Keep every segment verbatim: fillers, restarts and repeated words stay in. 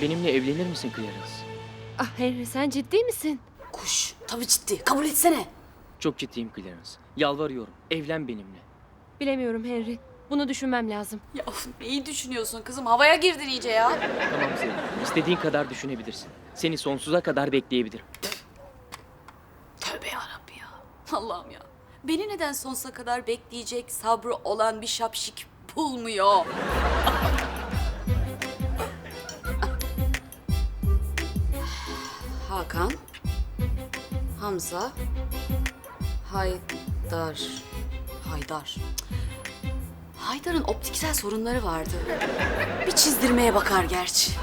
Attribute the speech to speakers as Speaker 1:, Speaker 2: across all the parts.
Speaker 1: Benimle evlenir misin Clarence?
Speaker 2: Ah Henry, sen ciddi misin?
Speaker 3: Kuş, tabii ciddi. Kabul etsene.
Speaker 1: Çok ciddiyim Clarence. Yalvarıyorum. Evlen benimle.
Speaker 2: Bilemiyorum Henry. Bunu düşünmem lazım.
Speaker 3: Ya of, neyi düşünüyorsun kızım? Havaya girdin iyice ya.
Speaker 1: Tamam sevgilim. İstediğin kadar düşünebilirsin. Seni sonsuza kadar bekleyebilirim.
Speaker 3: Tövbe yarabbi ya. Allah'ım ya. Beni neden sonsuza kadar bekleyecek sabrı olan bir şapşik bulmuyor? Hakan, Hamza, Haydar, Haydar. Haydar'ın optiksel sorunları vardı. Bir çizdirmeye bakar gerçi.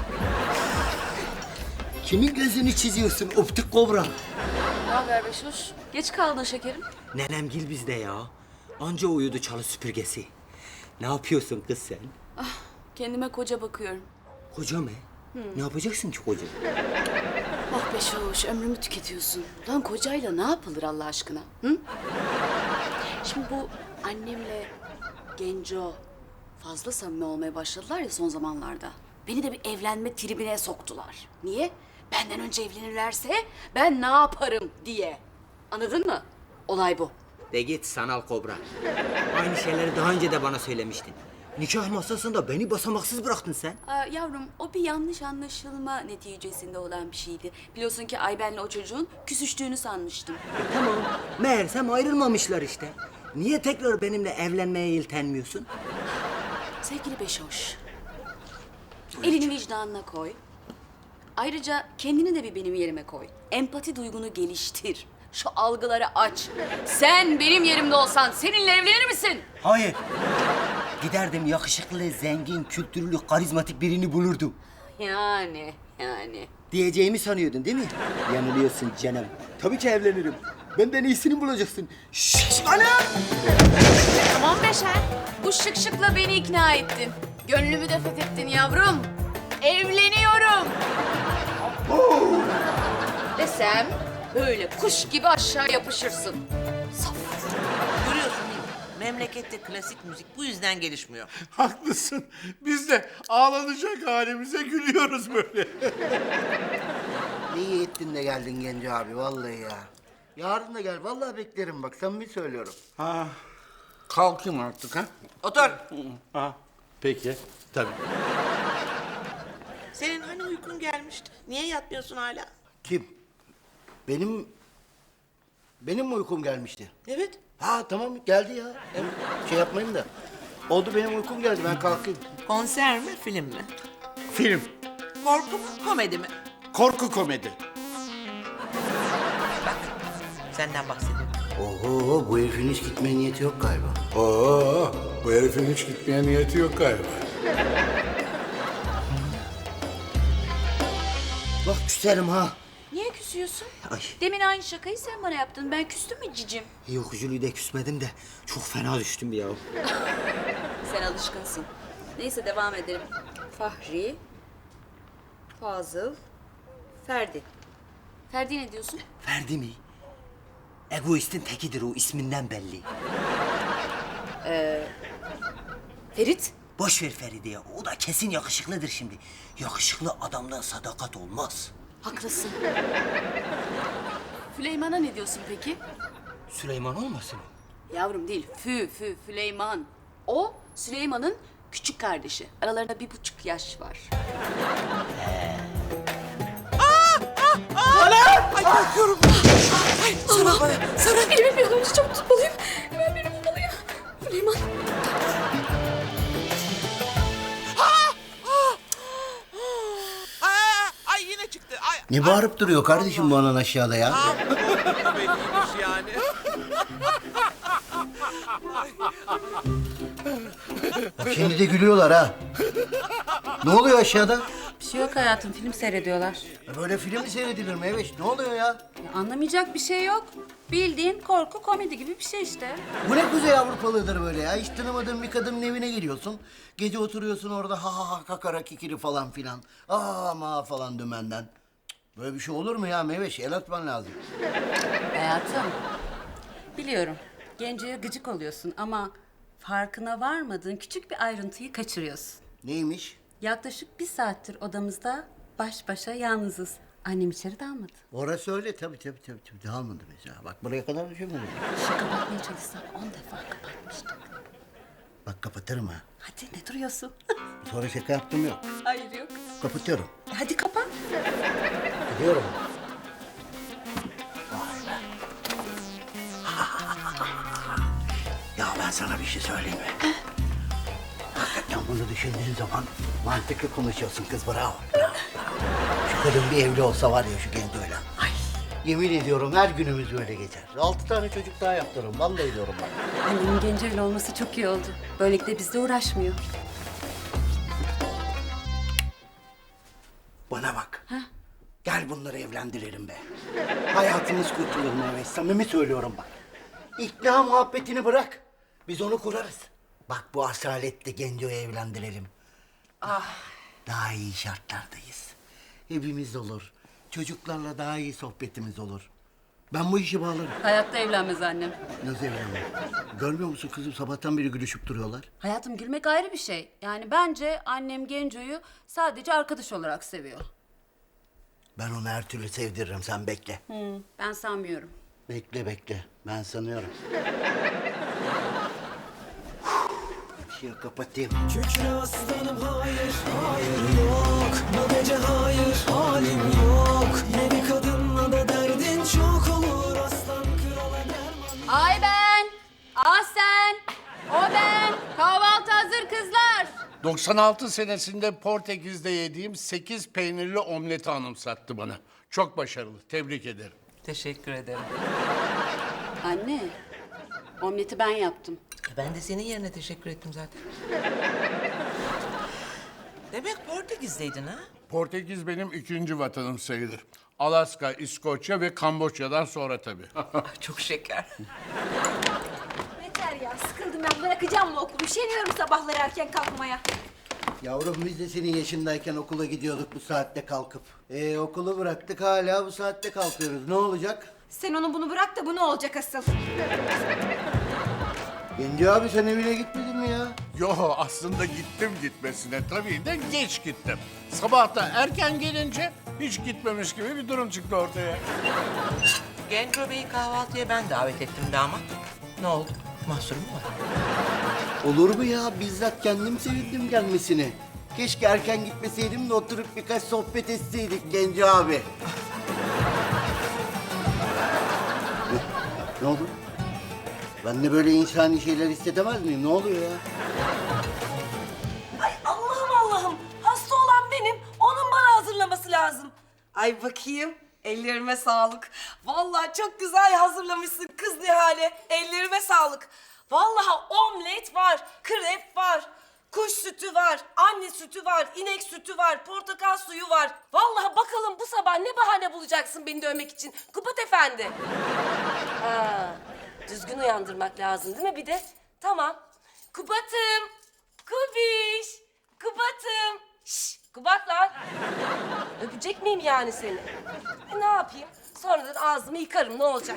Speaker 4: Kimin gözünü çiziyorsun optik kobra?
Speaker 3: Ne haber Beşoş? Geç kaldın şekerim.
Speaker 4: Nenemgil bizde ya. Anca uyudu çalı süpürgesi. Ne yapıyorsun kız sen?
Speaker 3: Kendime koca bakıyorum.
Speaker 4: Koca mı? Ne yapacaksın ki koca?
Speaker 3: Ah Beşoş, ömrümü tüketiyorsun. Lan kocayla ne yapılır Allah aşkına? Hı? Şimdi bu annemle Genco fazla samimi olmaya başladılar ya son zamanlarda. Beni de bir evlenme tribine soktular. Niye? Benden önce evlenirlerse ben ne yaparım diye. Anladın mı? Olay bu.
Speaker 4: De git sanal kobra. Aynı şeyleri daha önce de bana söylemiştin. Nikah masasında beni basamaksız bıraktın sen.
Speaker 3: Aa, yavrum o bir yanlış anlaşılma neticesinde olan bir şeydi. Biliyorsun ki Ayben'le o çocuğun küsüştüğünü sanmıştım.
Speaker 4: Tamam. Meğersem ayrılmamışlar işte. Niye tekrar benimle evlenmeye yeltenmiyorsun?
Speaker 3: Sevgili Beşoş, elini vicdanına koy. Ayrıca kendini de bir benim yerime koy. Empati duygunu geliştir. Şu algıları aç. Sen benim yerimde olsan seninle evlenir misin?
Speaker 4: Hayır. Giderdim yakışıklı, zengin, kültürlü, karizmatik birini bulurdum.
Speaker 3: Yani, yani.
Speaker 4: Diyeceğimi sanıyordun değil mi? Yanılıyorsun canım. Tabii ki evlenirim. Benden iyisini bulacaksın. Şşş anam!
Speaker 3: Tamam Beşer. Bu şık şıkla beni ikna ettin. Gönlümü de fethettin yavrum. Evleniyorum. Desem böyle kuş gibi aşağı yapışırsın. Saf.
Speaker 5: Görüyorsun değil mi? Memlekette klasik müzik bu yüzden gelişmiyor.
Speaker 6: Haklısın. Biz de ağlanacak halimize gülüyoruz böyle.
Speaker 7: İyi ettin de geldin Genco abi vallahi ya. Yarın da gel vallahi beklerim bak samimi söylüyorum.
Speaker 6: Ha, kalkayım artık ha.
Speaker 5: Otur.
Speaker 6: Ha, peki. Tabii.
Speaker 5: Senin hani uykun gelmişti? Niye yatmıyorsun hala?
Speaker 7: Kim? Benim... Benim mi uykum gelmişti?
Speaker 5: Evet.
Speaker 7: Ha tamam geldi ya. Hem şey yapmayayım da. Oldu benim uykum geldi ben kalkayım.
Speaker 5: Konser mi, film mi?
Speaker 6: Film.
Speaker 5: Korku mu, komedi mi?
Speaker 6: Korku komedi.
Speaker 5: Senden bahsediyorum.
Speaker 7: Oho bu herifin hiç gitmeye niyeti yok galiba.
Speaker 6: Oo, bu herifin hiç gitmeye niyeti yok galiba.
Speaker 7: Bak küserim ha.
Speaker 3: Niye küsüyorsun?
Speaker 7: Ay.
Speaker 3: Demin aynı şakayı sen bana yaptın. Ben küstüm mü cicim?
Speaker 4: Yok Jülü de küsmedim de çok fena düştüm ya.
Speaker 3: Sen alışkınsın. Neyse devam edelim. Fahri, Fazıl, Ferdi. Ferdi ne diyorsun?
Speaker 4: Ferdi mi? Egoistin tekidir o isminden belli.
Speaker 3: Ferit.
Speaker 4: Boş ver Feride ya. O da kesin yakışıklıdır şimdi. Yakışıklı adamdan sadakat olmaz.
Speaker 3: Haklısın. Füleyman'a ne diyorsun peki?
Speaker 4: Süleyman olmasın o?
Speaker 3: Yavrum değil, Fü, Fü, Füleyman. O Süleyman'ın küçük kardeşi. Aralarında bir buçuk yaş var.
Speaker 5: Ay korkuyorum. Ay sana, sana.
Speaker 3: Elimi bir an önce çabuk tutmalıyım. Hemen beni bulmalıyım. Füleyman.
Speaker 5: Aa, ay yine çıktı. Ay,
Speaker 7: Ne bağırıp duruyor kardeşim bu anan aşağıda ya?
Speaker 5: belliymiş yani.
Speaker 7: Bak şimdi de gülüyorlar ha. Ne oluyor aşağıda?
Speaker 8: Bir şey yok hayatım, film seyrediyorlar.
Speaker 7: Böyle film mi seyredilir Meyveş? Ne oluyor ya?
Speaker 8: Ya anlamayacak bir şey yok. Bildiğin korku komedi gibi bir şey işte.
Speaker 7: Bu ne Kuzey Avrupalıdır böyle ya? Hiç tanımadığın bir kadının evine giriyorsun. Gece oturuyorsun orada ha ha ha kakara kikiri falan filan. Aa ma falan dümenden. Cık, böyle bir şey olur mu ya Meyveş? El atman lazım.
Speaker 8: Hayatım, biliyorum Genco'ya gıcık oluyorsun ama farkına varmadığın küçük bir ayrıntıyı kaçırıyorsun.
Speaker 7: Neymiş?
Speaker 8: Yaklaşık bir saattir odamızda baş başa yalnızız. Annem içeri dalmadı.
Speaker 7: Orası öyle tabii tabii tabii. tabii. Dağılmadı mesela. Bak buraya kadar düşünmedim.
Speaker 8: Şu kapatmaya çalışsam on defa kapatmıştım.
Speaker 7: Bak kapatırım ha.
Speaker 8: Hadi ne duruyorsun?
Speaker 7: Sonra şaka yaptım yok.
Speaker 8: Hayır yok.
Speaker 7: Kapatıyorum.
Speaker 8: Hadi kapat.
Speaker 7: Gidiyorum. Ya ben sana bir şey söyleyeyim mi? Hakikaten bunu düşündüğün zaman mantıklı konuşuyorsun kız, bravo. bravo, bravo. Şu kadın bir evli olsa var ya şu Genco'yla. Ay. Yemin ediyorum her günümüz böyle geçer. Altı tane çocuk daha yaptırırım. Vallahi diyorum bak.
Speaker 8: Annemin Genco'yla olması çok iyi oldu. Böylelikle bizle uğraşmıyor.
Speaker 7: Bana bak. Gel bunları evlendirelim be. Hayatımız kurtulur Mehmet. Samimi söylüyorum bak. İkna muhabbetini bırak. Biz onu kurarız. Bak bu asaletle Genco'yu evlendirelim. Ah. Daha iyi şartlardayız. Evimiz olur. Çocuklarla daha iyi sohbetimiz olur. Ben bu işi bağlarım.
Speaker 8: Hayatta evlenmez annem.
Speaker 7: Nasıl evlenmem? Görmüyor musun kızım? Sabahtan beri gülüşüp duruyorlar.
Speaker 8: Hayatım gülmek ayrı bir şey. Yani bence annem Genco'yu sadece arkadaş olarak seviyor.
Speaker 7: Ben onu her türlü sevdiririm. Sen bekle.
Speaker 8: Hı, ben sanmıyorum.
Speaker 7: Bekle bekle. Ben sanıyorum. Işığı kapatayım.
Speaker 9: Kükre aslanım hayır, hayır yok. Bu gece hayır, halim yok. Yeni kadınla da derdin çok olur. Aslan krala derman.
Speaker 8: Ay ben, ah sen, o ben. Kahvaltı hazır kızlar.
Speaker 6: doksan altı senesinde Portekiz'de yediğim sekiz peynirli omleti anımsattı bana. Çok başarılı. Tebrik ederim.
Speaker 5: Teşekkür ederim.
Speaker 8: Anne, omleti ben yaptım.
Speaker 5: Ben de senin yerine teşekkür ettim zaten. Demek Portekiz'deydin ha?
Speaker 6: Portekiz benim ikinci vatanım sayılır. Alaska, İskoçya ve Kamboçya'dan sonra tabii.
Speaker 5: Çok şeker.
Speaker 10: Yeter ya, sıkıldım ben. Bırakacağım mı okulu? Üşeniyorum sabahları erken kalkmaya.
Speaker 7: Yavrum biz de senin yaşındayken okula gidiyorduk bu saatte kalkıp. Ee, okulu bıraktık hala bu saatte kalkıyoruz. Ne olacak?
Speaker 10: Sen onu bunu bırak da bu ne olacak asıl?
Speaker 7: Genci abi sen evine gitmedin mi ya?
Speaker 6: Yo aslında gittim gitmesine tabii de geç gittim. Sabah da erken gelince hiç gitmemiş gibi bir durum çıktı ortaya.
Speaker 5: Genco Bey'i kahvaltıya ben davet ettim damat. Ne oldu? Mahsur mu var?
Speaker 7: Olur mu ya? Bizzat kendim sevindim gelmesine. Keşke erken gitmeseydim de oturup birkaç sohbet etseydik Genci abi. ne, ne oldu? Ben de böyle insani şeyler hissedemez miyim? Ne oluyor ya?
Speaker 10: Ay Allah'ım Allah'ım. Hasta olan benim. Onun bana hazırlaması lazım. Ay bakayım. Ellerime sağlık. Vallahi çok güzel hazırlamışsın kız Nihale. Ellerime sağlık. Vallahi omlet var, krep var, kuş sütü var, anne sütü var, inek sütü var, portakal suyu var. Vallahi bakalım bu sabah ne bahane bulacaksın beni dövmek için Kubat Efendi. Ha, düzgün uyandırmak lazım değil mi bir de? Tamam. Kubat'ım, Kubiş, Kubat'ım. Şşş, Kubat lan. Öpecek miyim yani seni? E, ne yapayım? Sonradan ağzımı yıkarım ne olacak?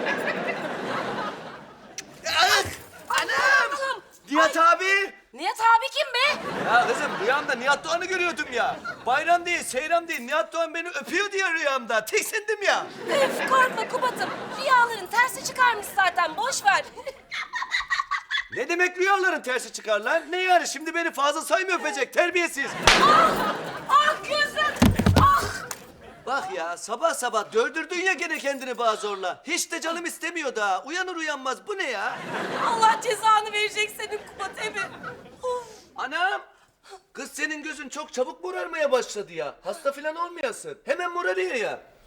Speaker 11: Anam! Nihat abi!
Speaker 10: Nihat abi kim be?
Speaker 11: Ya kızım rüyamda Nihat Doğan'ı görüyordum ya. Bayram değil, seyram değil. Nihat Doğan beni öpüyor diye rüyamda. Tiksindim ya.
Speaker 10: Öf korkma Kubat'ım. Rüyaların tersi çıkarmış zaten boş ver.
Speaker 11: Ne demek rüyaların tersi çıkar lan? Ne yani şimdi beni fazla sayma öpecek terbiyesiz.
Speaker 10: Ah! Ah gözüm! Ah!
Speaker 11: Bak ya sabah sabah dövdürdün ya gene kendini bana zorla. Hiç de canım istemiyor daha. Uyanır uyanmaz bu ne ya?
Speaker 10: Allah cezanı verecek senin Kubat Emi. Of!
Speaker 11: Anam! Kız senin gözün çok çabuk morarmaya başladı ya. Hasta falan olmayasın. Hemen morarıyor ya.